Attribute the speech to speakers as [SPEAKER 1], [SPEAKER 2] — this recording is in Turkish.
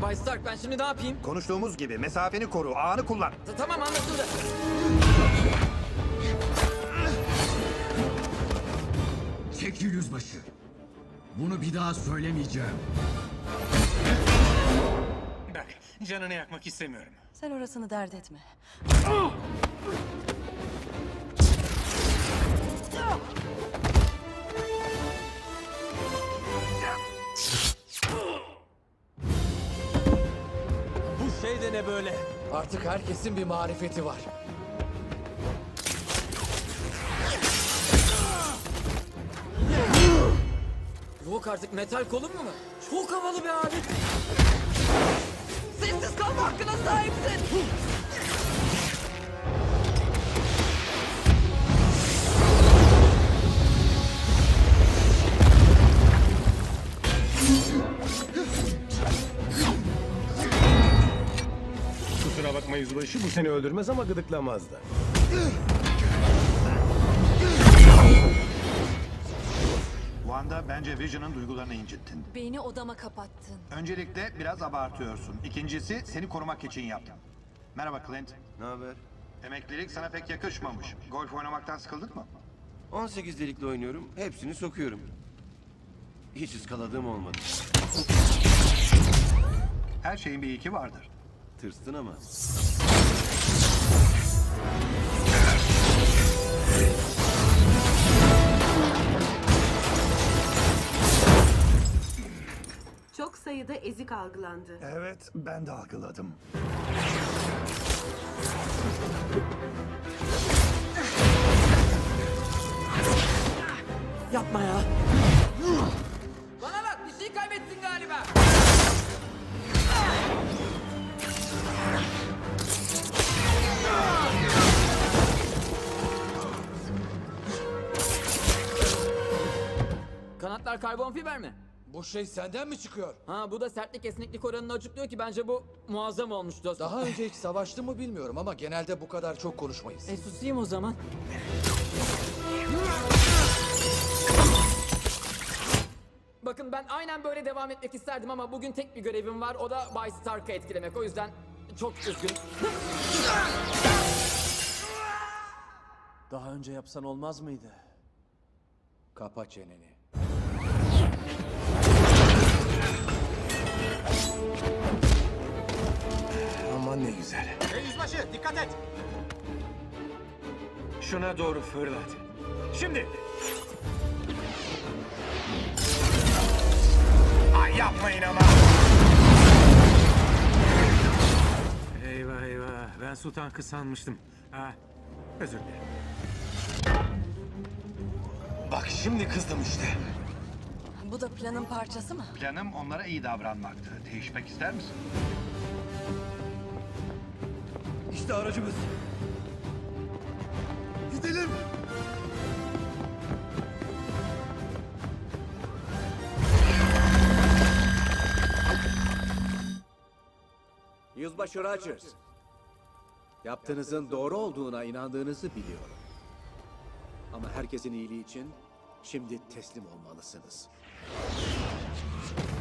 [SPEAKER 1] Bay Stark, ben şimdi ne yapayım?
[SPEAKER 2] Konuştuğumuz gibi mesafeni koru, ağını kullan.
[SPEAKER 1] Tamam, anlaşıldı.
[SPEAKER 3] Çekil yüzbaşı. Bunu bir daha söylemeyeceğim.
[SPEAKER 4] Bak, canını yakmak istemiyorum.
[SPEAKER 5] Sen orasını dert etme.
[SPEAKER 1] Bu şey de ne böyle? Artık herkesin bir marifeti var. Yok artık, metal kolun mu var? Çok havalı bir alet. Sessiz kalma hakkına sahipsin.
[SPEAKER 6] Kusura bakma yüzbaşı, bu seni öldürmez ama gıdıklamaz da.
[SPEAKER 2] Wanda, bence Vision'ın duygularını incittin.
[SPEAKER 5] Beni odama kapattın.
[SPEAKER 2] Öncelikle biraz abartıyorsun. İkincisi, seni korumak için yaptım. Merhaba Clint.
[SPEAKER 7] Ne haber?
[SPEAKER 2] Emeklilik sana pek yakışmamış. Golf oynamaktan sıkıldın mı?
[SPEAKER 7] 18 delikli oynuyorum, hepsini sokuyorum. Hiç ıskaladığım olmadı.
[SPEAKER 2] Her şeyin bir ilki vardır.
[SPEAKER 7] Tırstın ama.
[SPEAKER 8] Çok sayıda ezik algılandı.
[SPEAKER 2] Evet, ben de algıladım.
[SPEAKER 1] Yapma ya. Bana bak, bir şey kaybettin galiba. Kanatlar karbon fiber mi?
[SPEAKER 9] Bu şey senden mi çıkıyor?
[SPEAKER 1] Ha, bu da sertlik esneklik oranını açıklıyor ki bence bu muazzam olmuş dostum.
[SPEAKER 9] Daha önce hiç savaştın mı bilmiyorum ama genelde bu kadar çok konuşmayız.
[SPEAKER 1] Susayım o zaman. Bakın, ben aynen böyle devam etmek isterdim ama bugün tek bir görevim var. O da Bay Stark'ı etkilemek. O yüzden çok üzgünüm.
[SPEAKER 9] Daha önce yapsan olmaz mıydı? Kapa çeneni.
[SPEAKER 6] Aman ne güzel.
[SPEAKER 4] Hey yüzbaşı, dikkat et! Şuna doğru fırlat. Şimdi! Ay, yapmayın ama! Eyvah eyvah, ben su tankı sanmıştım. Ha, özür dilerim.
[SPEAKER 7] Bak şimdi kızdım işte.
[SPEAKER 5] Bu da planın parçası mı?
[SPEAKER 2] Planım onlara iyi davranmaktı. Değişmek ister misin?
[SPEAKER 7] İşte aracımız. Gidelim.
[SPEAKER 9] Yüzbaşı Rogers. Yaptığınızın doğru olduğuna inandığınızı biliyorum. Ama herkesin iyiliği için şimdi teslim olmalısınız.